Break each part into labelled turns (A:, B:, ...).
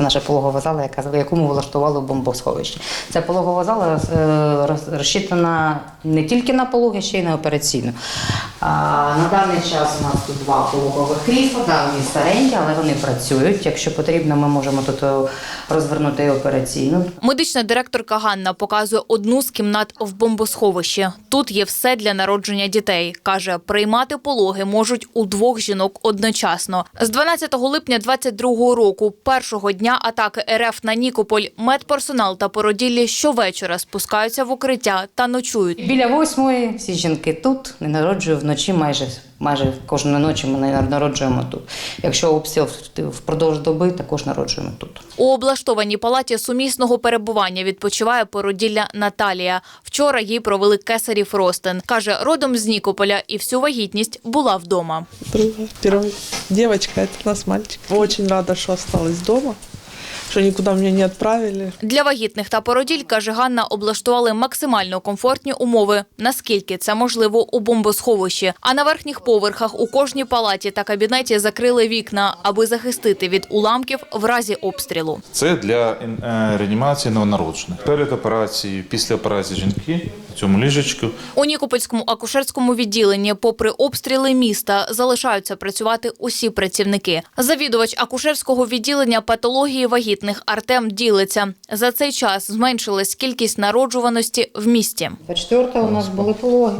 A: Це наша пологова зала, яку ми влаштували в бомбосховищі. Ця пологова зала розчитана не тільки на пологи, ще й на операційну. На даний час у нас тут 2 пологових крісла, вони старенькі, але вони працюють. Якщо потрібно, ми можемо тут розвернути і операційну.
B: Медична директорка Ганна показує одну з кімнат в бомбосховищі. Тут є все для народження дітей. Каже, приймати пологи можуть у 2 жінок одночасно. З 12 липня 2022 року, першого дня атаки РФ на Нікополь, медперсонал та породіллі щовечора спускаються в укриття та ночують.
A: Біля 8-ї всі жінки тут, не народжують вночі, майже кожної ночі ми народжуємо тут. Якщо обстріл впродовж доби, також народжуємо тут.
B: У облаштованій палаті сумісного перебування відпочиває породілля Наталія. Вчора їй провели кесарів ростин. Каже, родом з Нікополя і всю вагітність була вдома.
C: Первая девочка, это у нас мальчик. Очень рада, что осталась дома, что никуда меня не отправили.
B: Для вагітних та породіль, каже Ганна, облаштували максимально комфортні умови, наскільки це можливо у бомбосховищі. А на верхніх поверхах у кожній палаті та кабінеті закрили вікна, аби захистити від уламків в разі обстрілу.
D: Це для реанімації новонароджених. Перед операцією, після операції жінки в цьому ліжечку.
B: У Нікопольському акушерському відділенні, попри обстріли міста, залишаються працювати усі працівники. Завідувач акушерського відділення патології вагітних Артем ділиться. За цей час зменшилась кількість народжуваності в місті.
A: 24-го у нас були пологи.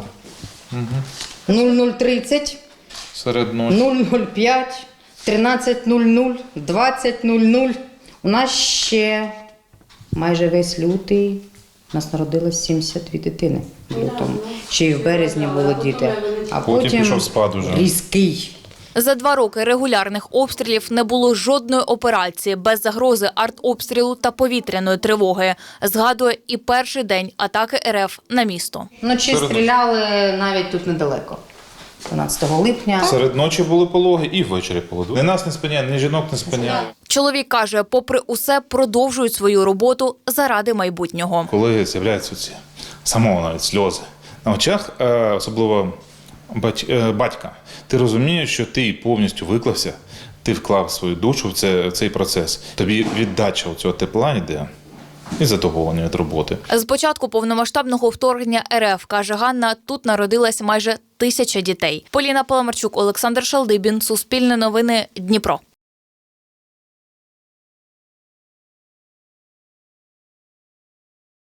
A: 00:30,
D: Серед ночі.
A: 0:05, 13:00, 20:00. У нас ще майже весь лютий. У нас народилось 72 дитини в лютому. Ще й в березні були діти. А
D: Потім пішов спад уже.
A: різкий.
B: За 2 роки регулярних обстрілів не було жодної операції без загрози артобстрілу та повітряної тривоги. Згадує і перший день атаки РФ на місто.
A: Вночі стріляли навіть тут недалеко. 12 липня.
D: Серед ночі були пологи і ввечері пологи. Ні нас не спиняє, ні жінок не спиняє.
B: Чоловік каже, попри усе, продовжують свою роботу заради майбутнього.
D: Коли з'являються ці самого навіть сльози на очах, особливо батька, ти розумієш, що ти повністю виклався, ти вклав свою душу в цей процес. Тобі віддача цього тепла йде і задоволення від роботи.
B: З початку повномасштабного вторгнення РФ, каже Ганна, тут народилось майже 1000 дітей. Поліна Паламарчук, Олександр Шалдибін, Суспільне новини, Дніпро.